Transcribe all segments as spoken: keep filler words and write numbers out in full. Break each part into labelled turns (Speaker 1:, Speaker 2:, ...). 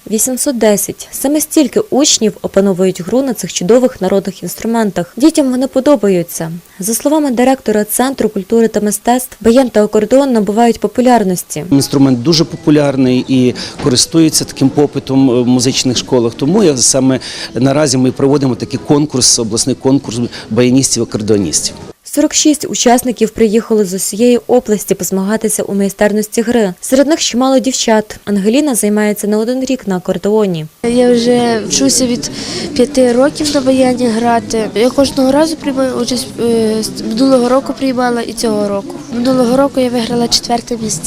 Speaker 1: вісімсот десять. Саме стільки учнів опановують гру на цих чудових народних інструментах. Дітям вони подобаються. За словами директора Центру культури та мистецтв, баян та акордеон набувають популярності.
Speaker 2: Інструмент дуже популярний і користується таким попитом в музичних школах. Тому я саме наразі ми проводимо такий конкурс, обласний конкурс баяністів-акордеоністів.
Speaker 1: сорок шість учасників приїхали з усієї області позмагатися у майстерності гри. Серед них чимало дівчат. Ангеліна займається не один рік на акордеоні.
Speaker 3: Я вже вчуся від п'яти років на баяні грати. Я кожного разу приймаю участь, минулого року приймала і цього року. Минулого року я виграла четверте місце.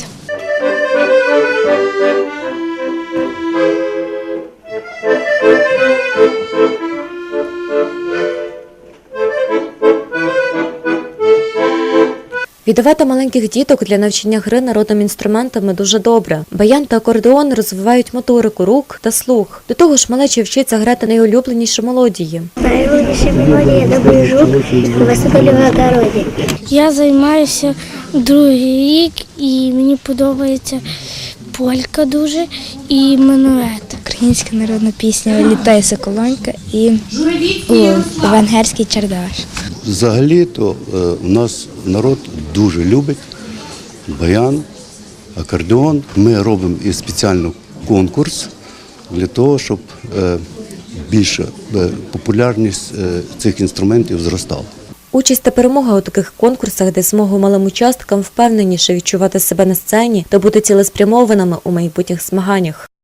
Speaker 1: Віддавати маленьких діток для навчання гри народними інструментами дуже добре. Баян та акордеон розвивають моторику рук та слух. До того ж, малеча вчиться грати найулюбленіші мелодії.
Speaker 4: Найулюбленіші мелодії «На жук» «Висадили в огороді».
Speaker 5: Я займаюся другий рік і мені подобається полька дуже і минует.
Speaker 6: Українська народна пісня «Літає соколонька» і о, венгерський чардаш.
Speaker 7: Взагалі-то у нас народ дуже любить баян, акордеон. Ми робимо і спеціально конкурс для того, щоб більша популярність цих інструментів зростала.
Speaker 1: Участь та перемога у таких конкурсах дасть змогу малим учасникам впевненіше відчувати себе на сцені та бути цілеспрямованими у майбутніх змаганнях.